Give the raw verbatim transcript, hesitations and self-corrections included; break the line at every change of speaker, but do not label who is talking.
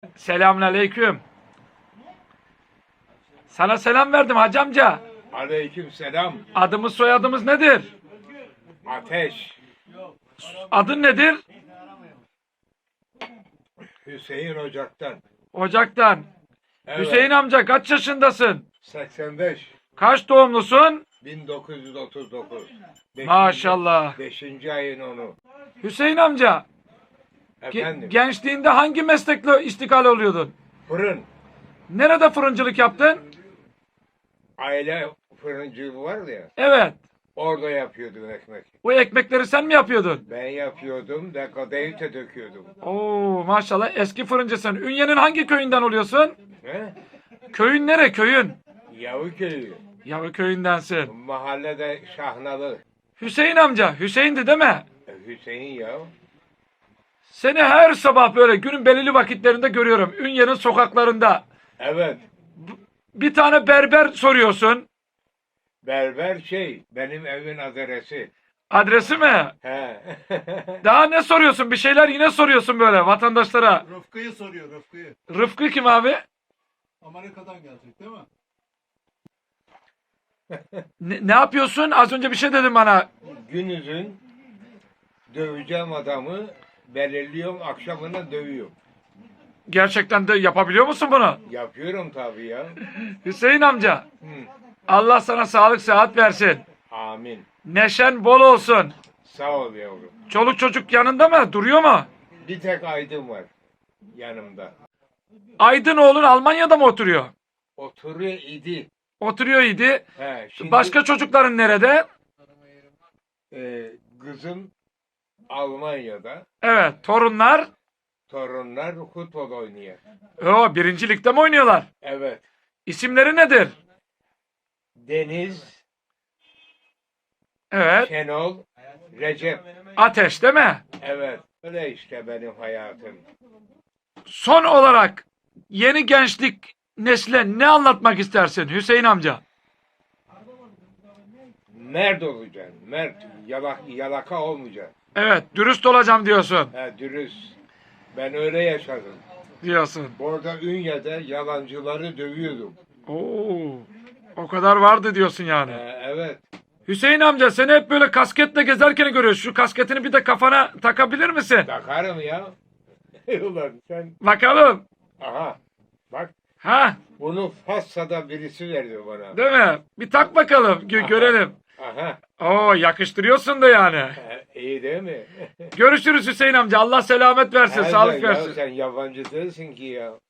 Selamünaleyküm. Sana selam verdim hacı amca.
Aleyküm selam.
Adımız soyadımız nedir?
Ateş.
Adın nedir?
Hüseyin Ocak'tan.
Ocak'tan.
Evet.
Hüseyin amca kaç yaşındasın?
seksen beş.
Kaç doğumlusun?
bin dokuz yüz otuz dokuz. Beşinci-
Maşallah.
Beşinci ayın onu.
Hüseyin amca, ge-
Efendim.
gençliğinde hangi meslekle iştikal oluyordun?
Fırın.
Nerede fırıncılık yaptın?
Aile fırıncılığı var ya.
Evet.
Orada yapıyordum ekmek.
Bu ekmekleri sen mi yapıyordun?
Ben yapıyordum da kadayıfta döküyordum.
Oo maşallah eski fırıncısın. Ünye'nin hangi köyünden oluyorsun?
He?
Köyün nere köyün?
Yavuköy'ü.
Yalı köyündensin.
Mahallede Şahnalı.
Hüseyin amca, Hüseyin'di değil mi?
E, Hüseyin ya.
Seni her sabah böyle günün belirli vakitlerinde görüyorum. Ünye'nin sokaklarında.
Evet.
Bir tane berber soruyorsun.
Berber şey. Benim evin adresi.
Adresi mi?
He.
Daha ne soruyorsun? Bir şeyler yine soruyorsun böyle vatandaşlara.
Rıfkı'yı soruyor Rıfkı'yı.
Rıfkı kim abi?
Amerika'dan gelecek değil mi?
Ne, ne yapıyorsun? Az önce bir şey dedin bana.
Günüzün döveceğim adamı belirliyorum, akşamına dövüyorum.
Gerçekten de yapabiliyor musun bunu?
Yapıyorum tabii ya.
Hüseyin amca,
Hı.
Allah sana sağlık sıhhat versin.
Amin.
Neşen bol olsun.
Sağ ol yavrum.
Çoluk çocuk yanında mı? Duruyor mu?
Bir tek Aydın var yanımda.
Aydın oğlun Almanya'da mı oturuyor?
Oturuyor idi.
Oturuyor idi.
He, şimdi,
Başka çocukların nerede?
e, kızım Almanya'da.
Evet, torunlar.
Torunlar futbol oynuyor.
O birinci ligde mi oynuyorlar?
Evet.
İsimleri nedir?
Deniz,
Evet.
Şenol, Recep.
Ateş değil mi?
Evet. Öyle işte benim hayatım.
Son olarak yeni gençlik nesle ne anlatmak istersin Hüseyin amca?
Mert olacaksın. Mert. Yalak, yalaka olmayacaksın.
Evet, dürüst olacağım diyorsun.
He, dürüst. Ben öyle yaşadım.
Diyorsun.
Orada Ünye'de yalancıları dövüyordum.
Oo, o kadar vardı diyorsun yani.
He, evet.
Hüseyin amca seni hep böyle kasketle gezerken görüyoruz. Şu kasketini bir de kafana takabilir misin?
Takarım ya. Ulan sen.
Bakalım.
Aha. Bak.
Ha,
Bunu Fassa'da birisi verdi bana.
değil mi? Bir tak bakalım, gö- görelim.
Aha.
Oo, yakıştırıyorsun da yani.
He, iyi değil mi?
Görüşürüz Hüseyin amca. Allah selamet versin,
He,
sağlık
ya
versin.
sen yabancı değilsin ki ya.